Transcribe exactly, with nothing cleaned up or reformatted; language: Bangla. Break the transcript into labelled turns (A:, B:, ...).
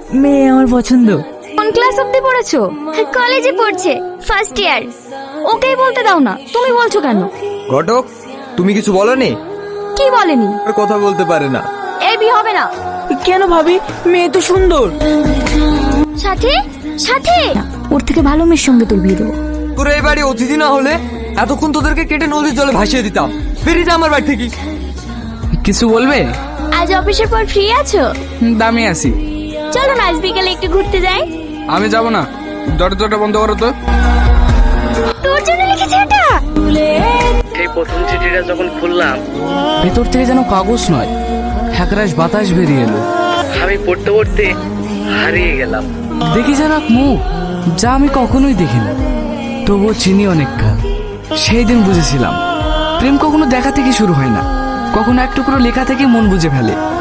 A: মেয়ে আমার পছন্দ।
B: কোন ক্লাস অবধি পড়েছো?
C: কলেজে পড়ছে, ফার্স্ট ইয়ার।
B: ওকেই বলতে দাও না, তুমি বলছো কেন?
D: ঘটক, তুমি কিছু বলনি?
B: কি বলেনি?
D: আর কথা বলতে পারে না।
B: এই বিয়ে হবে না।
A: কেন ভাবি? মেয়ে তো সুন্দর।
C: সাথে সাথে
B: ওর থেকে ভালো মেয়ের সঙ্গে তোর বিয়ে দেবো।
D: তোর এই বাড়ি অতিথি না হলে এতক্ষণ তোদেরকে কেটে নদীর জলে ভাসিয়ে দিতাম। বেরিয়ে যা আমার বাড়ি থেকে।
E: কিছু বলবে?
C: আজ অফিসের পর ফ্রি আছো?
E: দামি আছি।
C: চলো না আজ বিকালে একটু ঘুরতে যাই।
E: আমি যাব না, দরজাটা বন্ধ করো তো।
C: তোর জন্য লিখেছে এটা।
F: এই প্রথম চিঠিটা যখন খুললাম,
E: ভেতর থেকে যেন কাগজ নয়, একরাশ বাতাস বেরিয়ে এলো।
F: আমি পড়তে পড়তে হারিয়ে গেলাম।
E: দেখি যেন এক মুখ, যা আমি কখনোই দেখিনি, তবুও চিনি অনেক কাল। সেই দিন বুঝেছিলাম প্রেম কখনো দেখা থেকে শুরু হয় না, কখনো এক টুকরো লেখা থেকে মন বুঝে ফেলে।